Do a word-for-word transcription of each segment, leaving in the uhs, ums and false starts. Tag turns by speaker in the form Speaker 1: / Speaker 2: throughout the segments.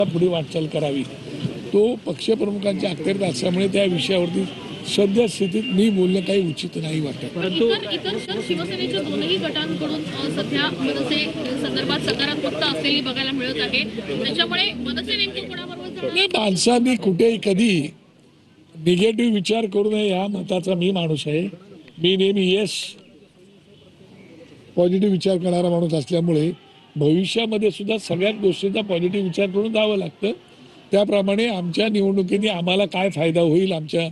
Speaker 1: पुढे वाटचाल करावी. तो पक्षप्रमुखांच्या अखत्यारीत असल्यामुळे त्या विषयावरती सध्या स्थितीत मी बोलणं काही उचित नाही वाटत.
Speaker 2: परंतु इतर शिवसेनेच्या दोनही गटांकडून सध्या मनसे संदर्भात सकारात्मकता असलेली बघायला मिळत आहे. त्याच्यामुळे मनसे नेमकं कोणाबरोबर
Speaker 1: माणसांनी कुठेही कधी निगेटिव्ह विचार करू नये या मताचा मी माणूस आहे. मी नेहमी येस पॉझिटिव्ह विचार करणारा माणूस असल्यामुळे भविष्यामध्ये सुद्धा सगळ्याच गोष्टींचा पॉझिटिव्ह विचार करून जावं लागतं. त्याप्रमाणे आमच्या निवडणुकीने आम्हाला काय फायदा होईल आमच्या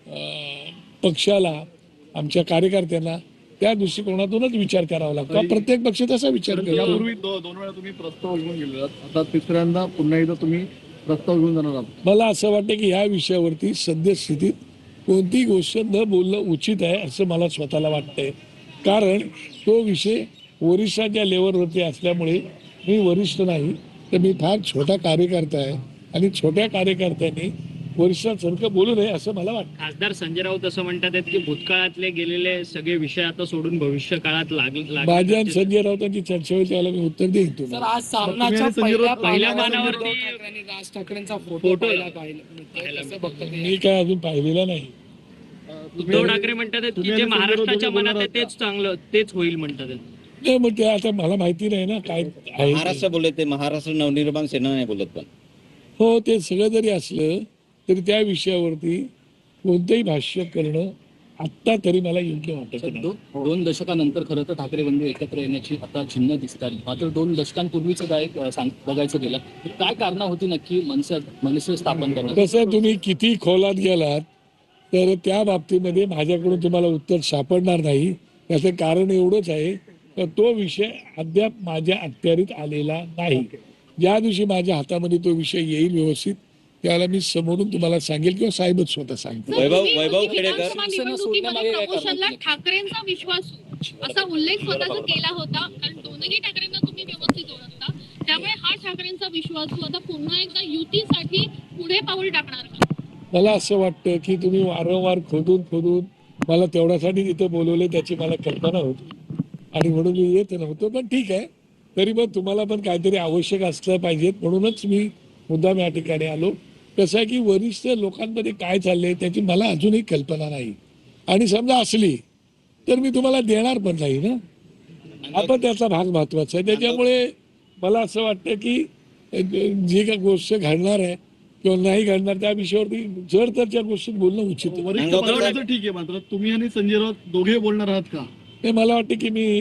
Speaker 1: पक्षाला आमच्या कार्यकर्त्यांना त्या दृष्टिकोनातूनच विचार करावा लागतो. प्रत्येक पक्ष तसा विचार करतो.
Speaker 3: यापूर्वी दोन वेळा तुम्ही प्रस्ताव घेऊन गेलेला, आता तिसऱ्यांदा पुन्हा एकदा तुम्ही प्रस्ताव घेऊन जाणार आहात.
Speaker 1: मला असं वाटतं की ह्या विषयावरती सद्यस्थितीत कोणतीही गोष्ट न बोलणं उचित आहे असं मला स्वतःला वाटतंय. कारण तो विषय वरिष्ठांच्या लेवलवरती असल्यामुळे मी वरिष्ठ नाही तर मी फार छोटा कार्यकर्ता आहे आणि छोट्या कार्यकर्त्यांनी वरिष्ठांसारखं बोलू नये असं मला वाटतं.
Speaker 4: खासदार संजय राऊत असं म्हणतात की भूतकाळातले गेलेले सगळे विषय आता सोडून भविष्य काळात लागले.
Speaker 1: माझ्या आणि संजय राऊतांची चर्चा होईल त्याला मी उत्तर देईन तुम्हाला.
Speaker 5: आज सामनाच्या पहिल्या
Speaker 4: पहिल्या मानावरती
Speaker 5: राज ठाकरेंचा फोटो पाहिला
Speaker 1: मी काय अजून पाहिलेला नाही.
Speaker 4: उद्धव ठाकरे म्हणतात की जे महाराष्ट्राच्या मनात आहे तेच चांगलं तेच होईल म्हणतात.
Speaker 1: नाही मग ते आता मला माहिती नाही ना काय आहे.
Speaker 6: महाराष्ट्र बोलत ते महाराष्ट्र नवनिर्माण सेना नाही बोलत. पण
Speaker 1: हो ते सगळं जरी असलं तरी त्या विषयावरती कोणतंही भाष्य करणं आत्ता तरी मला योग्य वाटत नाही.
Speaker 5: दोन दशकानंतर खरं तर ठाकरे बंधू एकत्र येण्याची आता चिन्ह दिसतात. मात्र दोन दशकांपूर्वीचं काय बघायचं गेलं काय कारण होती नक्की मनसे मनसे स्थापन करणं.
Speaker 1: कसं तुम्ही किती खोलात गेलात तर त्या बाबतीमध्ये माझ्याकडून तुम्हाला उत्तर सापडणार नाही. त्याचं कारण एवढंच आहे तर तो विषय अद्याप माझ्या अखत्यारीत आलेला नाही. ज्या दिवशी माझ्या हातामध्ये तो विषय येईल व्यवस्थित त्याला मी समोरून तुम्हाला सांगेल किंवा साहेबच स्वतः सांगतो.
Speaker 6: वैभव वैभव खेडेकर
Speaker 2: प्रमोशनला ठाकरेंचा विश्वास असा उल्लेख स्वतःचा केला होता. कारण दोन्ही ठाकरेंना तुम्ही व्यवस्थित ओळखता त्यामुळे हा ठाकरेंचा विश्वास आता पुन्हा एकदा युतीसाठी पुढे पाऊल टाकणार का?
Speaker 1: मला असं वाटतं की तुम्ही वारंवार खोदून खोदून मला तेवढ्यासाठी तिथं बोलवले त्याची मला कल्पना होती आणि म्हणून मी येत नव्हतो. पण ठीक आहे तरी पण तुम्हाला पण काहीतरी आवश्यक असलं पाहिजे म्हणूनच मी मुद्दाम या ठिकाणी आलो. कसं आहे की वरिष्ठ लोकांमध्ये काय चाललंय त्याची मला अजूनही कल्पना नाही आणि समजा असली तर मी तुम्हाला देणार पण नाही ना. आपण त्याचा भाग महत्वाचा आहे. त्याच्यामुळे मला असं वाटतं की जी काही गोष्ट घडणार आहे किंवा नाही घडणार त्या विषयावरती जर तर त्या गोष्टीत बोलणं उचित आहे.
Speaker 3: वरिष्ठ पातळीवर ठीक आहे मात्र तुम्ही आणि संजय राऊत दोघे बोलणार आहात का?
Speaker 1: हे मला वाटतं की मी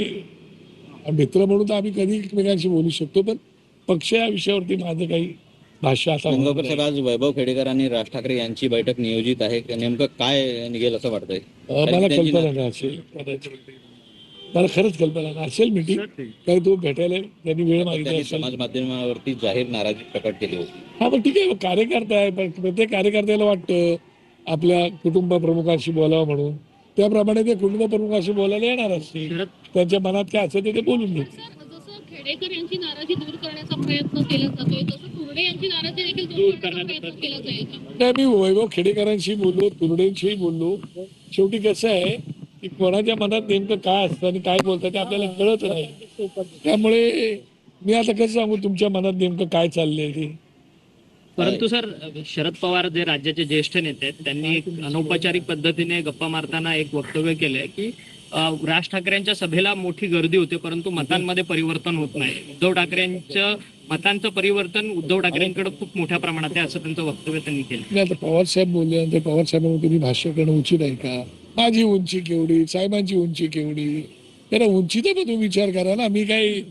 Speaker 1: मित्र म्हणून तर आम्ही कधी एकमेकांशी बोलू शकतो पण पक्ष या विषयावरती माझं काही भाष्य आता
Speaker 6: गंगापूर साहेब आज वैभव खेडेकर आणि राज ठाकरे यांची बैठक नियोजित आहे. नेमकं काय निघेल असं वाटतंय?
Speaker 1: मला कल्पना नाही असेल कदाचित मला खरंच कल्पना नाही असेल मीटिंग काही तो भेटायला त्यांनी वेळ मागितला.
Speaker 6: समाज माध्यमावरती जाहीर नाराजी प्रकट केली होती.
Speaker 1: हा पण ठीक आहे कार्यकर्ता आहे पण प्रत्येक कार्यकर्त्याला वाटतं आपल्या कुटुंब प्रमुखांशी बोलावं म्हणून त्याप्रमाणे ते कुटुंब प्रमुखांशी बोलायला येणार असतील. त्यांच्या मनात काय असेल ते बोलून घेतील.
Speaker 2: जसं खेडेकर यांची नाराजी दूर करण्याचा प्रयत्न केला जातोय तसं तुरडे यांची नाराजी देखील दूर करण्याचा प्रयत्न केला जाईल का?
Speaker 1: नाही मी वैभव खेडेकरांशी बोललो तुरडेंशी बोललो. शेवटी कसं आहे की कोणाच्या मनात नेमकं काय असतं आणि काय बोलतात ते आपल्याला कळत नाही. त्यामुळे मी आता कसं सांगू तुमच्या मनात नेमकं काय चाललंय ते.
Speaker 4: परंतु सर शरद पवार जे राज्याचे ज्येष्ठ नेते आहेत त्यांनी एक अनौपचारिक पद्धतीने गप्पा मारताना एक वक्तव्य केलंय की राज ठाकरेंच्या सभेला मोठी गर्दी होते परंतु मतांमध्ये परिवर्तन होत नाही. उद्धव ठाकरेंचं मतांचं परिवर्तन उद्धव ठाकरेंकडे खूप मोठ्या प्रमाणात आहे असं त्यांचं वक्तव्य त्यांनी केलं.
Speaker 1: आता पवार साहेब बोलल्यानंतर पवार साहेबांना तुम्ही भाष्य करणं उचित आहे का? माझी उंची केवढी साहेबांची उंची केवढी त्याला उंचीचा पण तुम्ही विचार करा ना. मी काही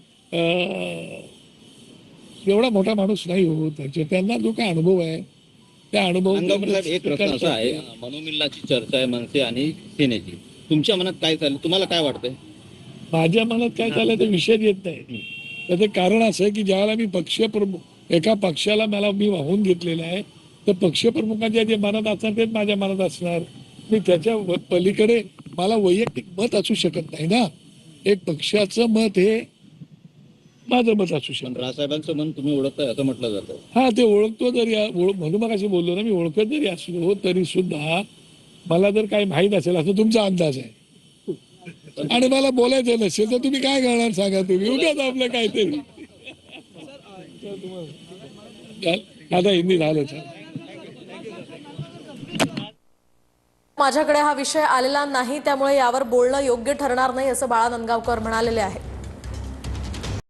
Speaker 1: एवढा मोठा माणूस नाही होत त्यांना जो काय अनुभव आहे त्या अनुभव.
Speaker 6: एक प्रश्न असा आहे मनोमिलनाची चर्चा आहे मनसे आणि सेनेची. तुमच्या मनात काय चाललं तुम्हाला काय वाटतंय?
Speaker 1: माझ्या मनात काय चाललंय ते विषय येत नाही. त्याचं कारण असं आहे की ज्यावेळेला मी पक्ष प्रमुख एका पक्षाला मला मी वाहून घेतलेलं आहे तर पक्षप्रमुखांच्या जे मनात असणार तेच माझ्या मनात असणार. मी त्याच्या पलीकडे मला वैयक्तिक मत असू शकत नाही ना. एक पक्षाचं मत हे माझं मत असू शकतं.
Speaker 6: राजसाहेबांचं मन तुम्ही ओळखताय असं म्हटलं जातं.
Speaker 1: हा ते ओळखतो जरी म्हणून मग अशी बोललो ना मी ओळखत जरी असलो तरी सुद्धा मला जर काही माहीत असेल असं तुमचा अंदाज आहे आणि मला बोलायचं नसेल तर तुम्ही काय करणार सांगा. तुम्ही उगाच आपलं काहीतरी आता हिंदी झालं सर.
Speaker 7: माझ्याकडे हा विषय आलेला नाही, त्यामुळे यावर बोलणं योग्य ठरणार नाही असं बाळा नंदगावकर म्हणालेले आहे.